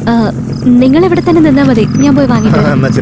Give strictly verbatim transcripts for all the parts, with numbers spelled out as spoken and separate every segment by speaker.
Speaker 1: നിങ്ങൾ ഇവിടെ തന്നെ നിന്നാ മതി, ഞാൻ പോയി വാങ്ങിട്ട്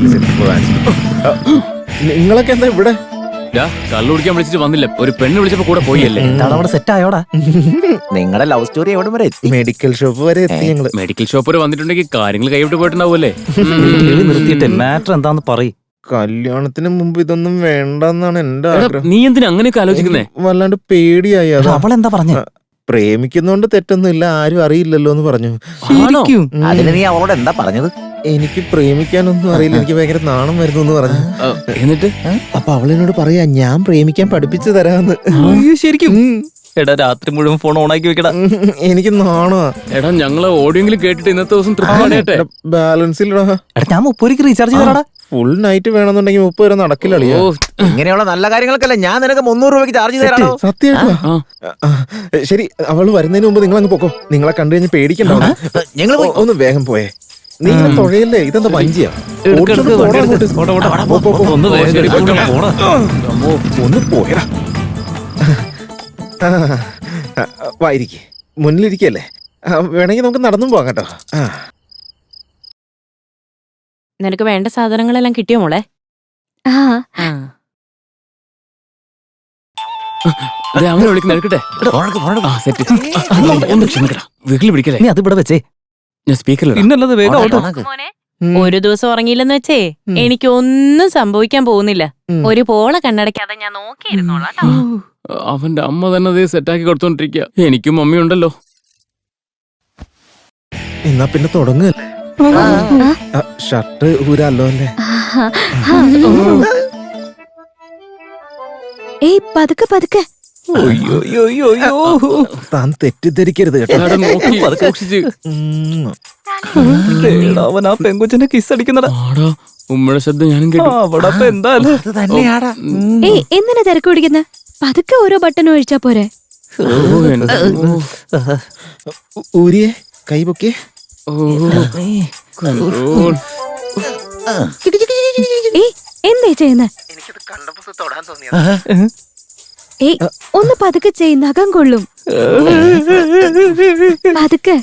Speaker 2: നിങ്ങളൊക്കെ എന്താ ഇവിടെ?
Speaker 3: കള്ളു കുടിക്കാൻ വിളിച്ചിട്ട് വന്നില്ല, ഒരു പെണ്ണ് വിളിച്ചപ്പോ കൂടെ പോയല്ലേ?
Speaker 4: സെറ്റ് ആയോടാ? നിങ്ങളുടെ ലവ് സ്റ്റോറി എവിടെ വരെ എത്തി?
Speaker 2: മെഡിക്കൽ ഷോപ്പ് വരെ എത്തി ഞങ്ങള്.
Speaker 3: മെഡിക്കൽ ഷോപ്പ് വരെ വന്നിട്ടുണ്ടെങ്കിൽ കാര്യങ്ങൾ കൈവിട്ട് പോയിട്ടുണ്ടാവൂല്ലേ?
Speaker 4: നിർത്തിയിട്ട് മാറ്റർ എന്താന്ന് പറയും.
Speaker 2: കല്യാണത്തിന് മുമ്പ് ഇതൊന്നും വേണ്ടെന്നാണ് എന്റെ ആഗ്രഹം.
Speaker 3: നീ എന്തിനാ അങ്ങനെയൊക്കെ ആലോചിക്കുന്നേ?
Speaker 2: വല്ലാണ്ട് പേടിയായി.
Speaker 4: അവളെന്താ പറഞ്ഞ?
Speaker 2: പ്രേമിക്കുന്നോണ്ട് തെറ്റൊന്നുമില്ല, ആരും അറിയില്ലല്ലോ എന്ന് പറഞ്ഞു.
Speaker 4: അതിന് നീ അവളോട് എന്താ പറഞ്ഞത്?
Speaker 2: എനിക്ക് പ്രേമിക്കാനൊന്നും അറിയില്ല, എനിക്ക് ഭയങ്കര നാണം വരുന്നു എന്ന് പറഞ്ഞു.
Speaker 3: എന്നിട്ട്
Speaker 2: അപ്പൊ അവളിനോട് പറയാ ഞാൻ പ്രേമിക്കാൻ പഠിപ്പിച്ചു തരാന്ന്.
Speaker 4: ശരിക്കും? എടാ രാത്രി മുഴുവൻ ഫോൺ ഓണാക്കി വെക്കടാ.
Speaker 2: എനിക്ക് നാണോ.
Speaker 3: എടാ ഞങ്ങള് ഓഡിയോങ്കിലും കേട്ടിട്ട് ഇന്നത്തെ ദിവസം തൃപ്തി.
Speaker 2: ബാലൻസ് ഇല്ലടാ.
Speaker 4: എടാ ഞാൻ മുപ്പത് റീചാർജ് ചെയ്തടാ.
Speaker 2: ഫുൾ നൈറ്റ് വേണമെന്നുണ്ടെങ്കിൽ മുപ്പത് വരെ നടക്കില്ല.
Speaker 4: ഇങ്ങനെയുള്ള നല്ല കാര്യങ്ങൾക്കല്ല ഞാൻ നിനക്ക് മുന്നൂറ് രൂപയ്ക്ക് ചാർജ് ചെയ്തോ.
Speaker 2: സത്യമായിട്ടോ? ശരി, അവള് വരുന്നതിന് മുമ്പ് നിങ്ങൾ അങ്ങ് പൊക്കോ. നിങ്ങളെ കണ്ടു കഴിഞ്ഞ് പേടിക്കണ്ടോ? ഞങ്ങൾ ഒന്ന് വേഗം പോയേ. നീ തുഴയല്ലേ, ഇതെന്താ വഞ്ചിയാ? ഒന്ന് പോയടാ. വായിരിക്കെ മുന്നിലിരിക്കല്ലേ, വേണമെങ്കിൽ നമുക്ക് നടന്നും പോകാം കേട്ടോ.
Speaker 5: നിനക്ക് വേണ്ട സാധനങ്ങളെല്ലാം കിട്ടിയോ മോളെ?
Speaker 1: ആ
Speaker 3: അങ്ങനെ വിളിക്കുന്ന എടുക്കട്ടെ. ഒന്ന് ക്ഷമിക്കടാ, വീട്ടിൽ പിടിക്കല്ലേ?
Speaker 4: നീ അത് ഇവിടെ വെച്ചേ.
Speaker 3: ഞാൻ സ്പീക്കറിൽ
Speaker 4: പിന്നല്ലത് വേഗം.
Speaker 5: മോനെ ഒരു ദിവസം ഉറങ്ങിയില്ലെന്ന് വെച്ചേ എനിക്ക് ഒന്നും സംഭവിക്കാൻ പോകുന്നില്ല. ഒരു പോള കണ്ണടയ്ക്കാതെ ഞാൻ നോക്കിയിരുന്നോളാം.
Speaker 3: അവന്റെ അമ്മ തന്നെ അതേ സെറ്റാക്കി കൊടുത്തോണ്ടിരിക്കുക. എനിക്കും മമ്മിയുണ്ടല്ലോ.
Speaker 2: എന്നാ പിന്നെ തുടങ്ങല്ലേ? ഷർട്ട് ഊരല്ലോ അല്ലേ?
Speaker 1: ഏയ് പതുക്കെ പതുക്കെ.
Speaker 2: താൻ തെറ്റിദ്ധരിക്കരുത് കേട്ടോ.
Speaker 4: അവൻ ആ പെങ്കുച്ചനെ കിസ് അടിക്കുന്നടാ.
Speaker 3: ഉമ്മയുടെ ശബ്ദം ഞാനും കേട്ടു.
Speaker 4: അവിടെ എന്താ
Speaker 1: ഏയ് എന്തിനാ തിരക്ക് പിടിക്കുന്ന? പതുക്കെ ഓരോ ബട്ടൺ ഒഴിച്ചാ പോരെ.
Speaker 2: ഊരിയെ കൈ പൊക്കിയേ.
Speaker 1: ഏയ് എന്തേ ചെയ്യുന്ന? ഏയ് ഒന്ന് പതുക്കെ ചെയ്, നഖം കൊള്ളും. പതുക്കെ.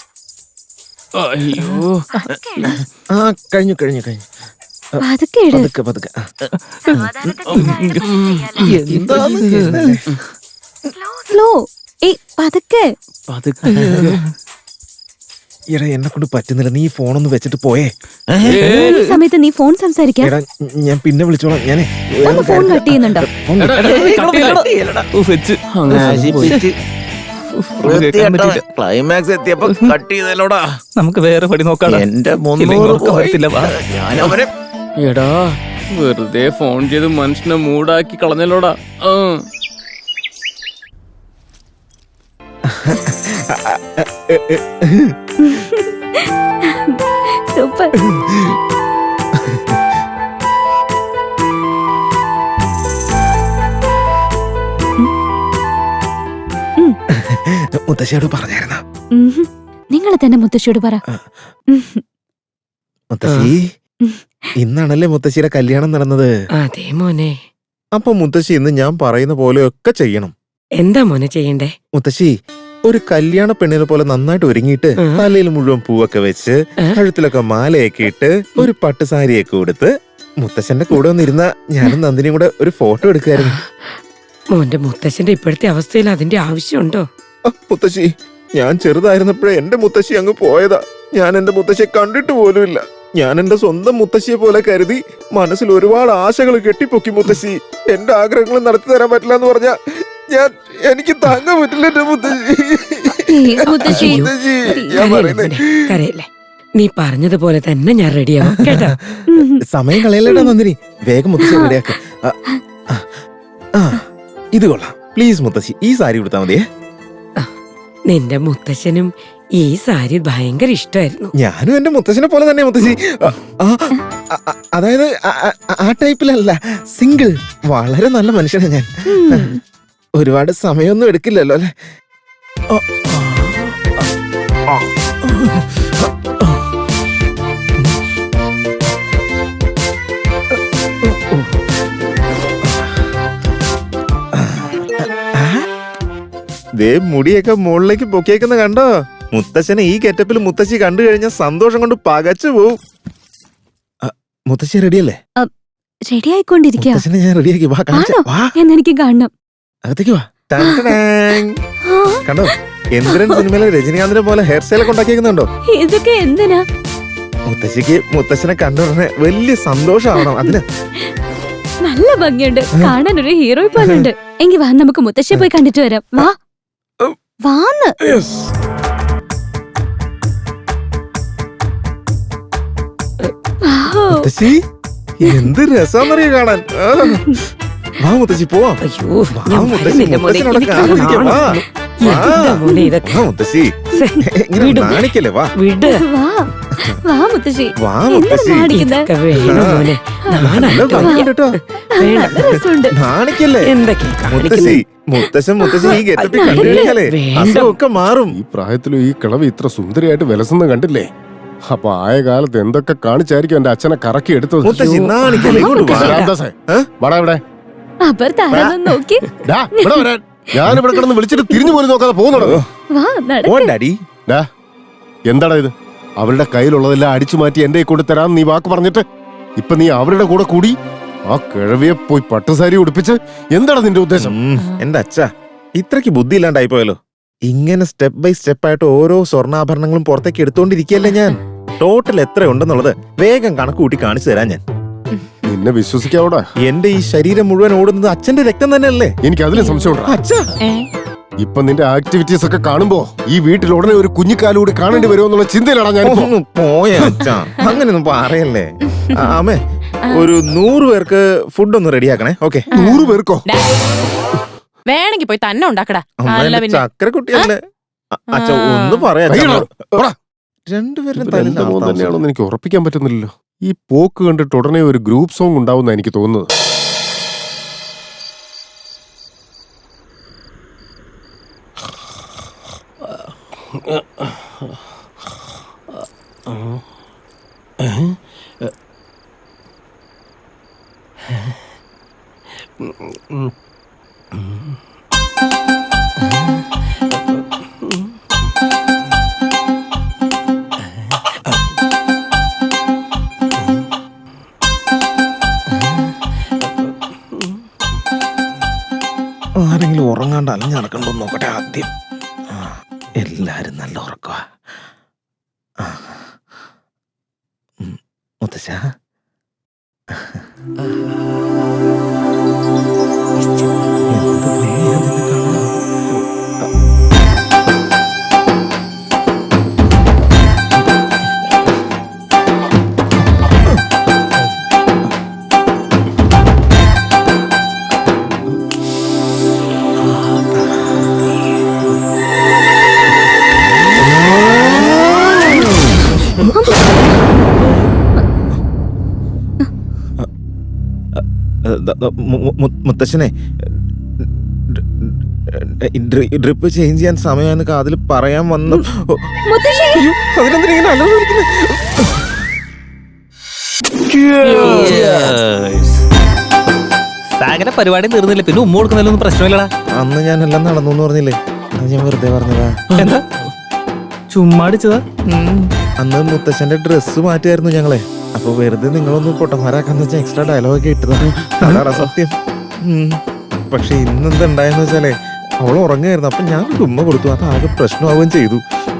Speaker 3: അയ്യോ
Speaker 2: ആ കഴിഞ്ഞു കഴിഞ്ഞു കഴിഞ്ഞു.
Speaker 1: പതുക്കെ ഇട്.
Speaker 2: പതുക്കെ പതുക്കെ.
Speaker 1: സ്ലോ. ഏയ് പതുക്കെ.
Speaker 2: എടാ എന്നെ കൊണ്ട് പറ്റുന്നില്ല, നീ ഫോണൊന്ന് വെച്ചിട്ട് പോയേ.
Speaker 1: ഈ സമയത്ത് നീ ഫോൺ സംസാരിക്കാം.
Speaker 2: എടാ ഞാൻ പിന്നെ വിളിച്ചോളാം. ഞാനേ
Speaker 1: ഒന്ന് ഫോൺ കട്ട് ചെയ്യുന്നുണ്ടോ?
Speaker 4: ക്ലൈമാക്സ് എത്തിയപ്പോ കട്ട് ചെയ്തല്ലോടാ. നമുക്ക് വേറെ പടി നോക്കാം. എന്റെ
Speaker 3: എടാ വെറുതെ ഫോൺ ചെയ്ത് മനുഷ്യനെ മൂടാക്കി കളഞ്ഞല്ലോടാ.
Speaker 1: സൂപ്പർ.
Speaker 2: മുത്തശ്ശിയോട് പറഞ്ഞായിരുന്ന?
Speaker 1: നിങ്ങൾ തന്നെ മുത്തശ്ശിയോട് പറ.
Speaker 2: മുത്തശ്ശി ഇന്നാണല്ലേ മുത്തശ്ശിയുടെ കല്യാണം നടന്നത്?
Speaker 6: അതെ മോനെ.
Speaker 2: അപ്പൊ മുത്തശ്ശി ഇന്ന് ഞാൻ പറയുന്ന പോലെയൊക്കെ ചെയ്യണം.
Speaker 6: എന്താ മോനെ ചെയ്യണ്ടേ?
Speaker 2: മുത്തശ്ശി ഒരു കല്യാണ പെണ്ണിനെ പോലെ നന്നായിട്ട് ഒരുങ്ങിയിട്ട് തലയിൽ മുഴുവൻ പൂവൊക്കെ വെച്ച് കഴുത്തിലൊക്കെ മാലയൊക്കെ ഇട്ട് ഒരു പട്ടുസാരിയൊക്കെ കൊടുത്ത് മുത്തശ്ശന്റെ കൂടെ ഒന്നിരുന്ന ഞാനും നന്ദിനിയും കൂടെ ഒരു ഫോട്ടോ എടുക്കായിരുന്നു.
Speaker 6: മോന്റെ മുത്തശ്ശന്റെ ഇപ്പോഴത്തെ അവസ്ഥയിൽ അതിന്റെ ആവശ്യമുണ്ടോ?
Speaker 2: മുത്തശ്ശി ഞാൻ ചെറുതായിരുന്നപ്പോഴേ എന്റെ മുത്തശ്ശി അങ്ങ് പോയതാ. ഞാൻ എന്റെ മുത്തശ്ശിയെ കണ്ടിട്ട് പോലുമില്ല. ഞാൻ എന്റെ സ്വന്തം മുത്തശ്ശിയെ പോലെ കരുതി മനസ്സിൽ ഒരുപാട് ആശകൾ കെട്ടിപ്പൊക്കി. മുത്തശ്ശി എന്റെ ആഗ്രഹങ്ങൾ നടത്തി തരാൻ പറ്റില്ല എന്ന് പറഞ്ഞാ ഞാൻ എനിക്ക് താങ്ങാൻ പറ്റില്ല എന്റെ മുത്തശ്ശി. ഞാൻ പറയുന്നത്
Speaker 6: കരയല്ലേ, നീ പറഞ്ഞതുപോലെ തന്നെ ഞാൻ റെഡിയാവും കേട്ടോ.
Speaker 2: സമയം കളയല്ലേടാ നന്ദിനി, വേഗം മുത്തശ്ശി റെഡിയാക്ക. ഇത് കൊള്ളാം. പ്ലീസ് മുത്തശ്ശി ഈ സാരി കൊടുത്താൽ മതിയേ.
Speaker 6: നിന്റെ മുത്തശ്ശനും ഈ സാരി ഭയങ്കര ഇഷ്ടമായിരുന്നു.
Speaker 2: ഞാനും എന്റെ മുത്തശ്ശനെ പോലെ തന്നെ മുത്തശ്ശി. അതായത് ആ ടൈപ്പിലല്ല, സിംഗിൾ. വളരെ നല്ല മനുഷ്യനാണ് ഞാൻ. ഒരുപാട് സമയമൊന്നും എടുക്കില്ലല്ലോ അല്ലെ? ദേ മുടിയൊക്കെ മുകളിലേക്ക് പൊക്കിയേക്കുന്ന കണ്ടോ? മുത്തശ്ശനെ ഈ ഗെറ്റപ്പിൽ മുത്തശ്ശി കണ്ടു കഴിഞ്ഞാൽ സന്തോഷം കൊണ്ട് പകച്ചു പോവും. ആ, മുത്തശ്ശി റെഡിയല്ലേ?
Speaker 1: റെഡി ആയിക്കൊണ്ടിരിക്കുക.
Speaker 2: മുത്തശ്ശനെ ഞാൻ റെഡിയാക്കി. വാ കാണിച്ച
Speaker 1: ആണോ?
Speaker 2: വാ
Speaker 1: എന്നെനിക്ക് കാണണം.
Speaker 2: അകത്തേക്ക് വാ. ടൻ ടടാങ്. കണ്ടോ എന്ദ്രൻ സിനിമയിലെ രജനീകാന്തിനെ പോലെ ഹെയർ സ്റ്റൈൽ ഒക്കെ ഉണ്ടാക്കിയേക്കുന്നുണ്ടോ?
Speaker 1: ഇതൊക്കെ എന്തിനാ?
Speaker 2: മുത്തശ്ശിക്ക് മുത്തശ്ശനെ കണ്ടുടനെ വലിയ സന്തോഷമാവണം അതിന്.
Speaker 1: നല്ല ഭംഗിയുണ്ട്, കാണാൻ ഒരു ഹീറോ പോലെ ഉണ്ട്. എങ്കി വാ, നമുക്ക് മുത്തശ്ശിയെ പോയി കണ്ടിട്ട് വരാം. വാ വാന്ന്. വൗ.
Speaker 2: മുത്തശ്ശി എന്ത് രസാന്നറിയോ കാണാൻ. ആ. വാ മുത്തശ്ശി പോവാം.
Speaker 6: അയ്യോ
Speaker 2: വാ
Speaker 6: ഞാൻ
Speaker 2: മുത്തശ്ശി,
Speaker 6: വരുന്നില്ല മോനെ.
Speaker 2: മുത്തശ്ശനോട്
Speaker 6: എനിക്ക്
Speaker 2: കാത്തിരിക്കാം. വാ.
Speaker 6: കാണണം.
Speaker 2: വാ.
Speaker 6: എന്താ മോനെ ഇതൊക്കെ?
Speaker 2: വാ മുത്തശ്ശി, ഇങ്ങനെ
Speaker 6: വിട്.
Speaker 2: നാണിക്കല്ലേ. വാ
Speaker 6: വിട്.
Speaker 1: വാ വാ മുത്തശ്ശി.
Speaker 2: വാ
Speaker 1: എന്തിനാ
Speaker 2: മുത്തശ്ശി.
Speaker 1: നാണിക്കുന്നെ?
Speaker 6: ഇതൊക്കെ വേണം മോനെ.
Speaker 2: നല്ല
Speaker 6: നാണാട്ടോ.
Speaker 2: ഭംഗിയുണ്ട് കേട്ടോ.
Speaker 1: നല്ല രസമുണ്ട്.
Speaker 2: നാണിക്കല്ലേ
Speaker 6: എന്തൊക്കെ
Speaker 2: മുത്തശ്ശി. മുത്തശ്ശൻ മുത്തശ്ശി ഈ ഗെറ്റപ്പിൽ കണ്ടു കഴിഞ്ഞാലേ
Speaker 6: വേണ്ട.
Speaker 2: അസുഖമൊക്കെ മാറും.
Speaker 7: ഈ പ്രായത്തിലും ഈ കിളവ് ഇത്ര സുന്ദരിയായിട്ട് വിലസുന്ന കണ്ടില്ലേ? അപ്പൊ ആയ കാലത്ത് എന്തൊക്കെ കാണിച്ചായിരിക്കും എന്റെ അച്ഛനെ കറക്കി എടുത്തത്.
Speaker 2: മുത്തശ്ശി നാണിക്കല്ലേ. ഇങ്ങോട്ട് വാ.
Speaker 7: രാമദാസേ,
Speaker 2: ഏ?
Speaker 7: വാടാ ഇവിടെ.
Speaker 1: അവർ താരൊന്നും നോക്കി.
Speaker 7: ഡാ, ഇവിടെ വരാൻ. ഞാൻ ഇവിടെ കിടന്ന് വിളിച്ചിട്ട് തിരിഞ്ഞു പോലും നോക്കാതെ പോകുന്നുണ്ടോ?
Speaker 1: വാ നടക്ക്.
Speaker 2: ഓൻ ഡാഡി.
Speaker 7: ഡാ, എന്താടാ ഇത്? അവരുടെ കയ്യിലുള്ളതെല്ലാം അടിച്ചു മാറ്റി എന്റെ കൊണ്ട് തരാൻ നീ വാക്ക് പറഞ്ഞിട്ട് ഇപ്പൊ നീ അവരുടെ കൂടെ കൂടി ആ കിഴവിയെ പോയി പട്ടുസാരി ഉടുപ്പിച്ച് എന്താണ് നിന്റെ ഉദ്ദേശം?
Speaker 2: ഉം, എന്റെ അച്ഛ ഇത്രക്ക് ബുദ്ധി ഇല്ലാണ്ടായി പോയല്ലോ. ഇങ്ങനെ സ്റ്റെപ്പ് ബൈ സ്റ്റെപ്പ് ആയിട്ട് ഓരോ സ്വർണ്ണാഭരണങ്ങളും പുറത്തേക്ക് എടുത്തോണ്ടിരിക്കല്ലേ ഞാൻ. ടോട്ടൽ എത്ര ഉണ്ടെന്നുള്ളത് വേഗം കണക്ക് കൂട്ടി കാണിച്ചു തരാൻ ഞാൻ.
Speaker 7: നിന്നെ വിശ്വസിക്കാവൂടാ?
Speaker 2: എന്റെ ഈ ശരീരം മുഴുവൻ ഓടുന്നത് അച്ഛന്റെ രക്തം തന്നെയല്ലേ?
Speaker 7: എനിക്ക് അതിലും സംശയമുണ്ടാ.
Speaker 2: അച്ഛ
Speaker 5: ഏ?
Speaker 7: ഇപ്പൊ നിന്റെ ആക്ടിവിറ്റീസ് ഒക്കെ കാണുമ്പോ ഈ വീട്ടിൽ ഉടനെ ഒരു കുഞ്ഞിക്കാലൂടി കാണേണ്ടി വരുമോ എന്നുള്ള ചിന്തയിലാണ് ഞാൻ.
Speaker 2: ഒന്ന് പോയ അച്ഛ, അങ്ങനെയൊന്നും പറയല്ലേ. ആ, അമ്മേ ഒരു നൂറ് പേർക്ക് ഫുഡ് ഒന്ന് റെഡിയാക്കണേ. ഓക്കെ.
Speaker 7: നൂറ് പേർക്കോ?
Speaker 5: ഡാ. വേണമെങ്കി പോയി തന്നെ ഉണ്ടാക്കടാ. അല്ല പിന്നെ
Speaker 2: ചക്കര കുട്ടിയല്ലേ. അ- അച്ഛ ഒന്ന് പറയാ.
Speaker 7: അയ്യോ, പോടാ.
Speaker 2: രണ്ടുപേരും
Speaker 7: എന്റെ മോൻ തന്നെയാണോന്ന് എനിക്ക് ഉറപ്പിക്കാൻ പറ്റുന്നില്ലല്ലോ. ഈ പോക്ക് കണ്ടിട്ട് ഉടനെ ഒരു ഗ്രൂപ്പ് സോങ് ഉണ്ടാവുന്ന എനിക്ക് തോന്നുന്നത്.
Speaker 2: ആരെങ്കിലും ഉറങ്ങാണ്ട് അലഞ്ഞ് നടക്കണ്ടോ നോക്കട്ടെ ആദ്യം. ആ, എല്ലാരും നല്ല ഉറക്കവാ. ആ. ഉം, മുത്തശ്ശ എന്ത് പേരാ നിന്നെ കാണാൻ? ദ- ദ- മു- മു- മുത്തശ്ശനെ ഡ്രിപ്പ് ചേഞ്ച് ചെയ്യാൻ സമയമായെന്ന് കാതിൽ പറയാൻ വന്നു.
Speaker 1: മുത്തശ്ശി.
Speaker 2: അയ്യോ, അതിനെന്തിനാ ഇങ്ങനെ അലറിയിരിക്കുന്നെ?
Speaker 8: സാഗര പരിപാടി തീർന്നില്ല, പിന്നെ ഉമ്മ കൊടുക്കുന്നതിലൊന്നും പ്രശ്നമില്ലടാ.
Speaker 2: അന്ന് ഞാൻ എല്ലാം നടന്നു എന്ന് പറഞ്ഞില്ലേ, അത് ഞാൻ വെറുതെ പറഞ്ഞതാ.
Speaker 8: എന്താ ചുമ്മാടിച്ചതാ?
Speaker 2: ഉം. അന്ന് മുത്തശ്ശന്റെ ഡ്രസ്സ് മാറ്റിയായിരുന്നു ഞങ്ങളെ. അപ്പൊ വെറുതെ നിങ്ങളൊന്ന് പൊട്ടന്മാരാക്കാന്ന് വെച്ചാൽ എക്സ്ട്രാ ഡയലോഗൊക്കെ ഇട്ടതാണ്. അതാണ് സത്യം. ഉം. പക്ഷെ ഇന്നെന്താ ഉണ്ടായെന്ന് വെച്ചാലേ, അവൾ ഉറങ്ങായിരുന്നു. അപ്പൊ ഞാൻ ഒരു ഉമ്മ കൊടുത്തു. അത് ആകെ പ്രശ്നമാവുകയും ചെയ്തു.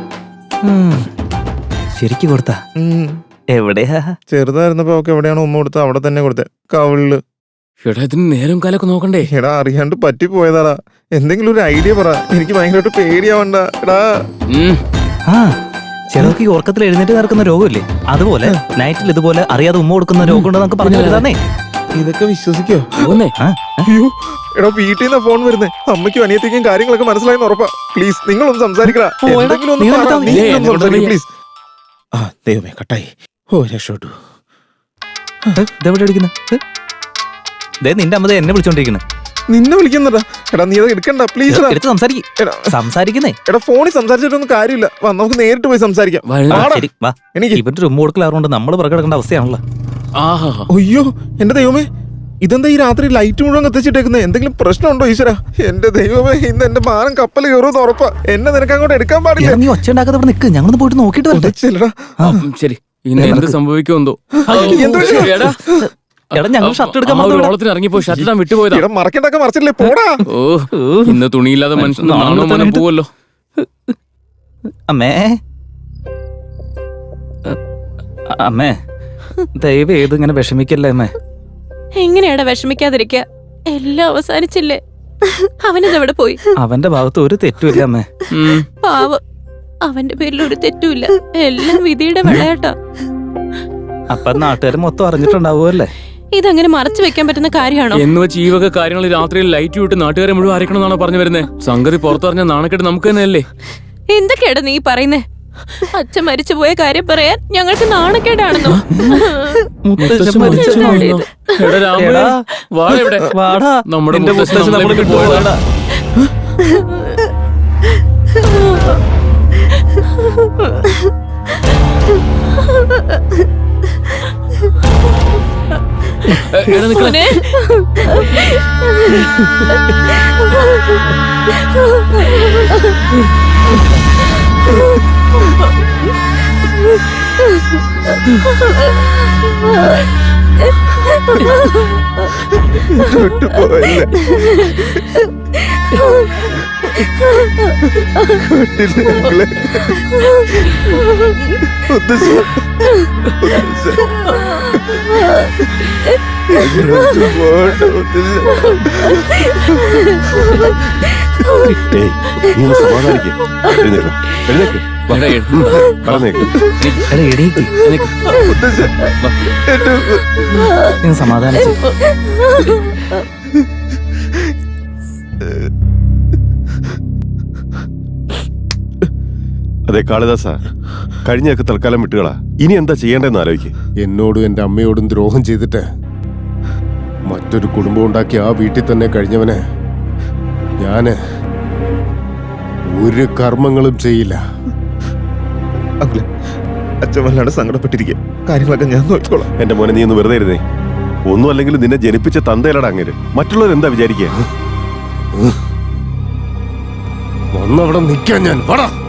Speaker 8: ശരിക്ക് കൊടുത്താ?
Speaker 2: ഉം.
Speaker 8: എവിടെയാ?
Speaker 2: ചെറുതായിരുന്നപ്പോ അവൾക്ക് എവിടെയാണോ ഉമ്മ കൊടുത്തത് അവിടെ തന്നെ കൊടുത്തേ, കവിളില്.
Speaker 3: എടാ ഇതിന് നേരം കാലൊക്കെ നോക്കണ്ടേ?
Speaker 2: എടാ അറിയാണ്ട് പറ്റിപ്പോയതാടാ. എന്തെങ്കിലും ഒരു ഐഡിയ പറ, എനിക്ക് ഭയങ്കരമായിട്ട് പേടിയാവണ്ട. എടാ
Speaker 3: ഉം.
Speaker 8: ആ ചിലർക്ക് ഈ ഉറക്കത്തിൽ എഴുന്നേറ്റ് നടക്കുന്ന രോഗമില്ലേ, അതുപോലെ നൈറ്റിൽ ഇതുപോലെ അറിയാതെ ഉമ്മ കൊടുക്കുന്ന രോഗം ഉണ്ടെന്ന് നമുക്ക് പറഞ്ഞു തരുന്നേ.
Speaker 2: ഇതൊക്കെ വിശ്വസിക്കോ?
Speaker 3: പോന്നേ.
Speaker 8: ആ
Speaker 2: അയ്യോ എടാ, വീട്ടിൽ നിന്നാ ഫോൺ വരുന്നേ. അമ്മയ്ക്കും അനിയത്തിക്കും കാര്യങ്ങളൊക്കെ മനസ്സിലായെന്ന് ഉറപ്പാ. പ്ലീസ് നിങ്ങളൊന്ന് സംസാരിക്കടാ.
Speaker 8: ഓ, എടാ,
Speaker 2: എന്തെങ്കിലും ഒന്ന്
Speaker 8: നീ
Speaker 2: പറ.
Speaker 8: എടുത്താ
Speaker 2: നീ
Speaker 8: മതി.
Speaker 2: ഒന്ന്
Speaker 3: എന്നെ കൊണ്ട്
Speaker 2: സംസാരിക്ക്,
Speaker 3: വയ്യ.
Speaker 2: പ്ലീസ്. ആ ദൈവമേ, കട്ടായി. ഓ രക്ഷപ്പെട്ടു.
Speaker 8: ഇതെവിടെ അടിക്കുന്നത്? ദേ നിന്റെ അമ്മ ദേ എന്നെ വിളിച്ചോണ്ടിരിക്കുന്നത്.
Speaker 2: നിന്നെ വിളിക്കുന്നടാ. എടാ നീ അത് എടുക്കണ്ട പ്ലീസ്.
Speaker 8: എടുത്ത് സംസാരിക്കും.
Speaker 2: എടാ
Speaker 8: സംസാരിക്കുന്നേ.
Speaker 2: എടാ ഫോണിൽ സംസാരിച്ചിട്ടൊന്നും കാര്യമില്ല. വാ നമുക്ക് നേരിട്ട് പോയി സംസാരിക്കാം.
Speaker 3: വഴി-
Speaker 8: ആ,
Speaker 2: ആടാ.
Speaker 8: ശരി വാ.
Speaker 2: എനിക്ക്
Speaker 8: ഇവന്റെ ഒരു ഉമ്മ കൊടുക്കലാറുകൊണ്ട് നമ്മൾ പുറകെ കിടക്കേണ്ട അവസ്ഥയാണല്ലോ.
Speaker 3: ആഹാ.
Speaker 2: അയ്യോ എന്റെ ദൈവമേ, ഇതെന്താ ഈ രാത്രി ലൈറ്റ് മുഴുവൻ കത്തിച്ചിട്ടേക്കുന്നത്? എന്തെങ്കിലും പ്രശ്നമുണ്ടോ ഈശ്വര? എന്റെ ദൈവമേ, ഇന്ന് എന്റെ മാനം കപ്പൽ കയറുമെന്ന് ഉറപ്പാ. എന്നെ നിനക്ക് അങ്ങോട്ട് എടുക്കാൻ പാടില്ല.
Speaker 8: നീ ഒച്ച ഉണ്ടാക്കാതെ ഇവിടെ നിൽക്ക്, ഞങ്ങളൊന്ന് പോയിട്ട് നോക്കിയിട്ട് വരട്ടെ.
Speaker 2: ചെല്ലടാ.
Speaker 3: ഉം, ശരി ഇന്ന് എന്ത് സംഭവിക്കുമെന്തോ.
Speaker 2: എന്ത്
Speaker 3: എടാ
Speaker 8: എടാ ഞങ്ങൾ ഷർട്ട് എടുക്കാൻ
Speaker 3: ആ ഒരു
Speaker 8: വന്നതാ.
Speaker 3: ഓളത്തിന് ഇറങ്ങിപ്പോ ഷർട്ട് ഇടാൻ വിട്ടുപോയതാ.
Speaker 2: ഇവിടെ മറക്കണ്ടൊക്കെ മറച്ചില്ലേ, പോടാ.
Speaker 3: ഓ ഇന്ന് തുണിയില്ലാതെ മനുഷ്യൻ നാണോ മനം പോവല്ലോ.
Speaker 8: അമ്മേ അമ്മേ ദയവ് ഏത് ഇങ്ങനെ വിഷമിക്കല്ലേ അമ്മേ.
Speaker 5: എങ്ങനെയാടാ വിഷമിക്കാതിരിക്ക? എല്ലാം അവസാനിച്ചില്ലേ? അവനിതെവിടെ പോയി?
Speaker 8: അവന്റെ ഭാഗത്ത് ഒരു തെറ്റുമില്ല അമ്മേ.
Speaker 3: ഉം.
Speaker 5: പാവം, അവന്റെ പേരിൽ ഒരു തെറ്റുമില്ല. എല്ലാം വിധിയുടെ വിളയാട്ടാ.
Speaker 8: അപ്പൊ നാട്ടുകാർ മൊത്തം അറിഞ്ഞിട്ടുണ്ടാവുമല്ലേ?
Speaker 5: ഇതങ്ങനെ മറച്ചു വെക്കാൻ പറ്റുന്ന കാര്യമാണോ?
Speaker 3: എന്ന് വെച്ച് ഈ വക കാര്യങ്ങൾ രാത്രിയിൽ ലൈറ്റ് വിട്ട് നാട്ടുകാരെ മുഴുവൻ അരക്കണമെന്നാണോ പറഞ്ഞു വരുന്നത്? സംഗതി പുറത്തറിഞ്ഞ നാണക്കെട്ട് നമുക്ക് തന്നെയല്ലേ?
Speaker 5: എന്തൊക്കെയാടാ നീ പറയുന്നേ? അച്ഛൻ മരിച്ചുപോയ കാര്യം പറയാൻ ഞങ്ങൾക്ക് നാണക്കേടാണെന്നോ?
Speaker 8: മുത്തശ്ശൻ മരിച്ചു
Speaker 3: പോയെന്നോ? എടാ രാമേ,
Speaker 8: എടാ,
Speaker 3: വാടാ ഇവിടെ.
Speaker 8: വാടാ
Speaker 3: നമ്മുടെ
Speaker 8: നിന്റെ
Speaker 3: മുത്തശ്ശൻ
Speaker 8: മുത്തശ്ശൻ
Speaker 3: നമ്മളെ
Speaker 8: നമ്മളെ
Speaker 3: വിട്ട്
Speaker 8: വിട്ടു
Speaker 3: പോയതാ.
Speaker 8: പോയതാ.
Speaker 3: എ, എടാ നിക്കളെ.
Speaker 5: മോനെ.
Speaker 2: വിട്ടുപോയല്ലേ. കണ്ടില്ലേ ഞങ്ങളെ? മുത്തശ്ശി, മുത്തശ്ശി. എങ്ങോട്ട് പോകണ്ട മുത്തശ്ശി.
Speaker 7: ഏയ് നീ ഒന്ന് സമാധാനിക്ക്. എഴുന്നേക്ക്, എഴുന്നേക്ക്. വാ.
Speaker 3: എടാ, എ-
Speaker 7: ഉം, പറഞ്ഞേക്ക്.
Speaker 8: എടാ, എടീക്ക്.
Speaker 3: നിക്ക്.
Speaker 2: മുത്തശ്ശി, എന്റെ
Speaker 8: നീ സമാധാനിച്ചു.
Speaker 7: അതെ കാളിദാസ, കഴിഞ്ഞൊക്കെ തൽക്കാലം വിട്ടുകളാ. ഇനി എന്താ ചെയ്യേണ്ടതെന്ന് ആലോചിക്ക്. എന്നോടും എന്റെ അമ്മയോടും ദ്രോഹം ചെയ്തിട്ട് മറ്റൊരു കുടുംബം ഉണ്ടാക്കി ആ വീട്ടിൽ തന്നെ കഴിഞ്ഞവന് ഞാന് ഒരു കർമ്മങ്ങളും ചെയ്യില്ല.
Speaker 2: അങ്കിളെ, അച്ഛൻ വല്ലാണ്ട് സങ്കടപ്പെട്ടിരിക്കുക. കാര്യങ്ങളൊക്കെ ഞാൻ നോക്കിക്കോളാം.
Speaker 7: എന്റെ മോനെ നീ ഒന്ന് വെറുതെ ഇരുന്നേ. ഒന്നും അല്ലെങ്കിൽ നിന്നെ ജനിപ്പിച്ച തന്തയിലടാ അങ്ങേര്. മറ്റുള്ളവർ എന്താ വിചാരിക്കുക? ഒന്നവിടെ നിൽക്കാൻ ഞാൻ. വാടാ.